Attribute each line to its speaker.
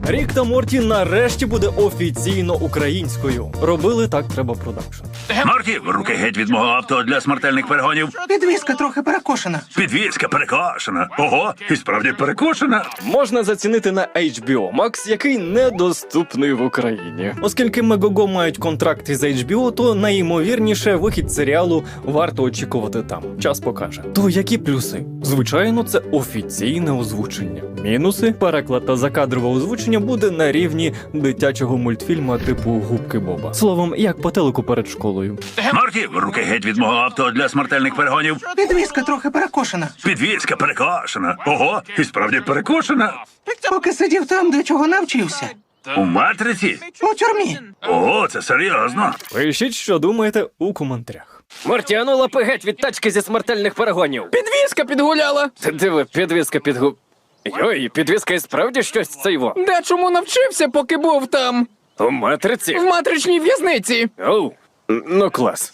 Speaker 1: Рік та Морті нарешті буде офіційно українською. Робили так треба продакшн.
Speaker 2: Морті, руки геть від мого авто для смертельних перегонів.
Speaker 3: Підвіска трохи перекошена.
Speaker 2: Підвізка перекошена. Ого, і справді перекошена.
Speaker 1: Можна зацінити на HBO Max, який недоступний в Україні. Оскільки Мегого мають контракт із HBO, то найімовірніше вихід серіалу варто очікувати там. Час покаже. То які плюси? Звичайно, це офіційне озвучення. Мінуси? Переклад та закадрове озвучення буде на рівні дитячого мультфільму типу Губки Боба. Словом, як по телеку перед школою.
Speaker 2: Морті, руки геть від мого авто для смертельних перегонів.
Speaker 3: Підвіска трохи перекошена.
Speaker 2: Підвізка перекошена. Ого, і справді перекошена.
Speaker 3: Поки сидів там, до чого навчився.
Speaker 2: У матриці?
Speaker 3: У тюрмі.
Speaker 2: О, це серйозно.
Speaker 1: Пишіть, що думаєте у коментарях.
Speaker 4: Морті, ану лапи геть від тачки зі смертельних перегонів.
Speaker 5: Підвізка підгуляла.
Speaker 4: Ти диви, підвізка Йой, підвізка і справді щось цейво.
Speaker 5: Дечому навчився, поки був там.
Speaker 4: У матриці?
Speaker 5: В матричній в'язниці.
Speaker 4: Оу, ну клас.